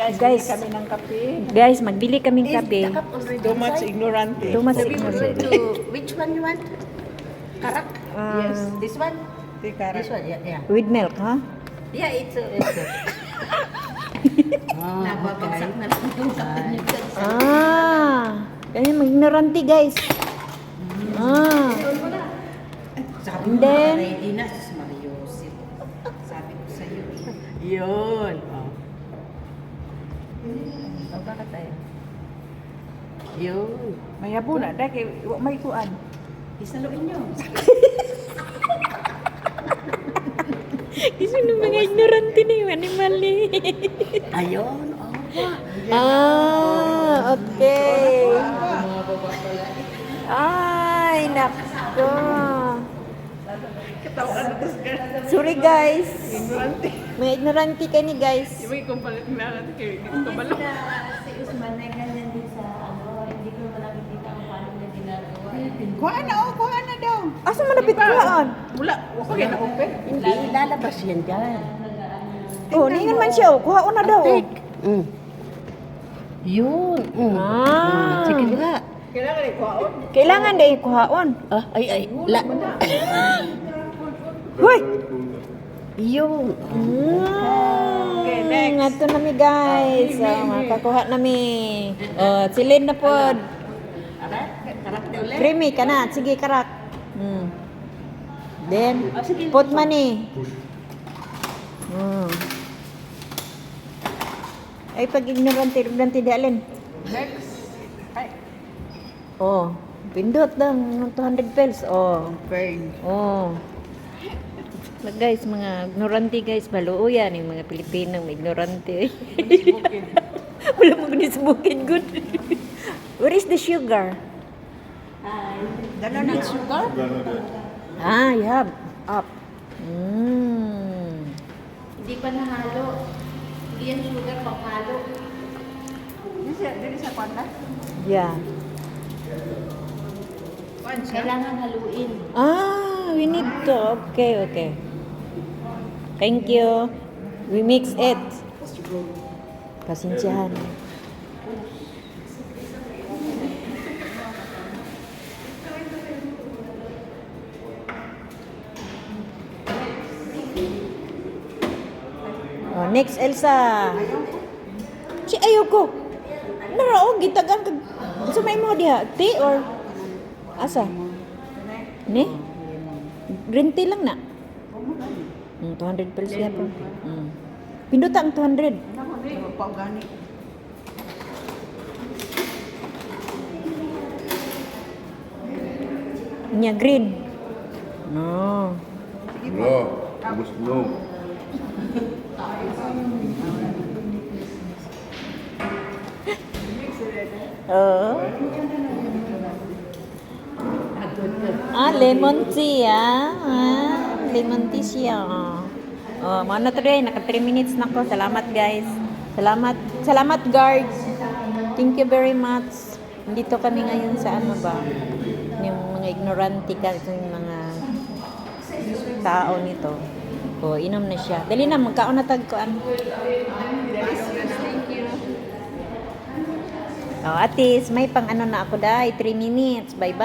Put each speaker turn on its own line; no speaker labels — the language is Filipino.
Guys,
kami ng kape.
guys, magbili kaming kape.
Too much ignorante.
Too much
So we will go
ignorant.
to which one you want? Karak?
Yes.
This one?
Tikara.
This one, yeah.
With milk, ha?
Yeah, it's nababagsak na lang yung kape niyo.
Kaya mag-ignorante, guys.
Sabi
And
mo,
then-
ready na, sis Mariosip. Sabi ko sa'yo. Yun. Oh. Bakit tayo? Yun.
Mayabo na. Dahil kay may kuan.
Isaluin nyo.
Kasi nung mga ignorante na yung animal eh.
Ayun.
Okay. Ay, nako. Sorry, guys.
Ignorante.
May ignorante ka ni guys.
Yung may kumpalit na natin kay kabalo.
Si Usman na ganyan din sa hindi ko na nakikita ang paano niya ginagawa.
Kuha na daw.
Asa malapit kuhaan?
Wala. Wala kaya na open.
Hindi, lalabas yan dyan.
Oh, ningan man siya. Kuhaan na daw.
Yun. Sige nga.
Kailangan ay kuhaon.
Kailangan din kuhaan.
Ay.
Hoy!
Yun.
Okay, next.
Ato na mi guys. Makakuha na mi. Silid na pod.
Karakter ulit.
Creamy ka na. Sige, karak. Then, put money. Ay, pag ignorante di alin.
Next. Ay.
Oh, pindot lang. 200 pesos. Oh.
Burn.
Oh. Guys, mga ignorante guys, maluo yan yung mga Pilipinong ignorante. Wala mo gunisbukin good. Where is the sugar?
Dala na sugar?
You have up.
Hindi pa nahalo. Hindi yan sugar pang halo.
Dili sa kwan na?
Yeah.
Kwan siya?
Kailangan haluin.
We need to. Okay. Thank you. We mix it. Pasensyahan. Oh, next Elsa. Si ayoko. Naraog gitagan kag sa may mo diha, tea or asa? Ni? Green tea lang na. 200 pesos yan po. Pinduta ang 200.
Pag-gani.
Nya green. No.
No, you must know.
Oh. Lemon tea lemon tea siya. Mo na today, naka 3 minutes na ko. Salamat guys. Salamat guards. Thank you very much. Dito kami ngayon sa ano ba? Yung mga ignorante yung mga tao nito. Inom na siya. Dali na, magkaon na tagkoan. Atis, may pang ano na ako dahil 3 minutes. Bye-bye.